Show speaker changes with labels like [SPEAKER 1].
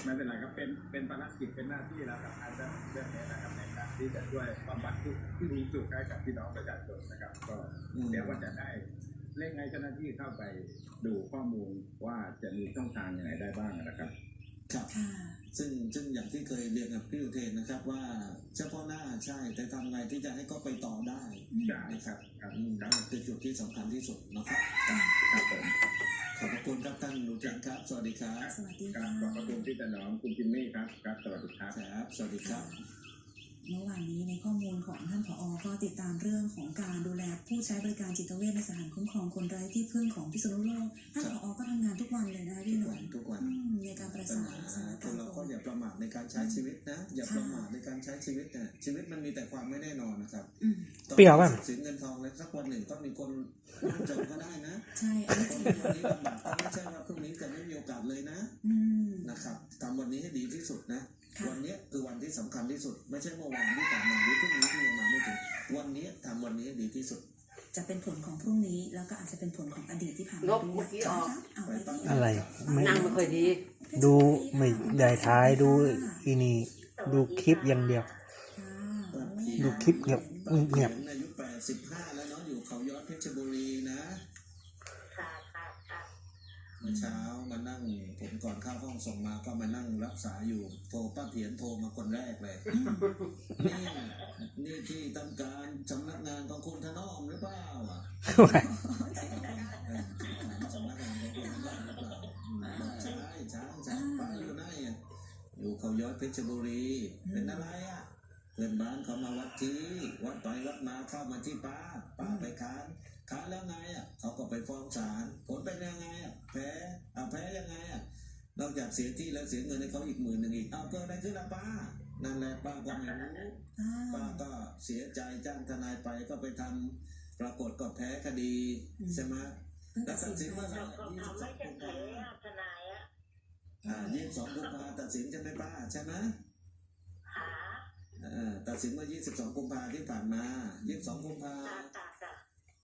[SPEAKER 1] ไม่เป็นไรครับเป็นภารกิจเป็นหน้าที่แล้วครับอาจจะเรื่องนี้นะครับในการที่จะช่วยบำบัดทุกที่มีสุขให้กับพี่น้องประชาชนนะครับก็เดี๋ยวว่าจะได้เร่งให้เจ้าหน้าที่เข้าไปดูข้อมูลว่าจะมีช่องทางยังไงได้บ้างนะครับ
[SPEAKER 2] ครับซึ่งอย่างที่เคยเรียนกับพี่อุเทนนะครับว่าเฉพาะหน้าใช่แต่ทำไงที่จะให้ก็ไปต่อได้นะครับคือจุดที่สำคัญที่สุดนะครับ
[SPEAKER 1] ครับผม
[SPEAKER 2] ขอบคุณครับท่านอุเทนครับสวัสดีครับ
[SPEAKER 3] สวัสดีค่ะ
[SPEAKER 1] ขอบคุณพี่ถนอมคุณจิมมี่ครับสวัสดีครับ
[SPEAKER 2] สวัสดีครับ
[SPEAKER 3] เมื่อวานนี้ในข้อมูลของท่านผอ.ก็ติดตามเรื่องของการดูแลผู้ใช้บริการจิตเวชในสถานคุ้มครองคนไร้ที่พึ่งของพิษณุโลกท่านผอ.ก็ทำงานทุกวันเลยนะพี่หนุ่ม
[SPEAKER 2] ทุกวัน
[SPEAKER 3] ในการประสานสถานการณ์
[SPEAKER 2] เราก็อย่าประมาทในการใช้ชีวิตนะอย่าประมาทในการใช้ชีวิตนะชีวิตมันมีแต่ความไม่แน่นอนนะครับ
[SPEAKER 4] เปรี้ยวป่ะ
[SPEAKER 2] สินเงินทองเลยสักวันหนึ่งต้องมีคนจนก็ได้นะ
[SPEAKER 3] ใช่
[SPEAKER 2] คนวันนี้ลำบากก็ไม่ใช่ว่าพรุ่งนี้จะไม่มีโอกาสเลยนะนะครับทำวันนี้ให้ดีที่สุดนะวันนี้คือวันที่สำคัญที่สุดไม่ใช่เมื่อวานที่ผ่านมาหรือพรุ่งนี้ที่ยังมาไม่ถึงวันนี้ทำวันนี้ให้ดีที่สุด
[SPEAKER 3] จะเป็นผลของพรุ่งนี้แล้วก็อาจจะเป็นผลของอดีตที่ผ่านมาด้วย
[SPEAKER 4] อะไร
[SPEAKER 5] นั่งไม่ค่อยดี
[SPEAKER 4] ดูไม่ได้ท้ายดูอีนี่ดูคลิปอย่างเดียวดูคลิปเงียบ
[SPEAKER 2] อายุ85แล้วเนาะอยู่เขาย้อนเพชรบุรีนะเมื่อเช้ามานั่งผมก่อนเข้าห้องส่งมาก็มานั่งรักษาอยู่โทรป้าเพียนโทรมาคนแรกเลยนี่ที่ทำการสำนักงานของคุณถนอมหรือเปล่าสำนักงานของคุณถนอมหรือเปล่าใช่ป้าอยู่ไหนอยู่เขาย้อนเพชรบุรีเป็นอะไรเพื่อนบ้านเขามาวัดที่วัดไปวัดมาเข้ามาที่ป้าไปค้านแล้วไงเขาก็ไปฟ้องศาลผลเป็นยังไงแพ้ยังไงนอกจากเสียที่แล้วเสียเงินให้เขาอีก10,000อีกเกิดอะไรขึ้นล่ะป้านั่นแหละป้าก็ไม่รู้ป้าก็เสียใจจ้างทนายไปก็ไปทำปรากฏก็แพ้คดีใช่ไหมตัดสินว่า22 กุมภาตัดสินใช่ไหมป้าใช่ไหมตัดสินว่า22 กุมภาที่ผ่านมา22 กุมภา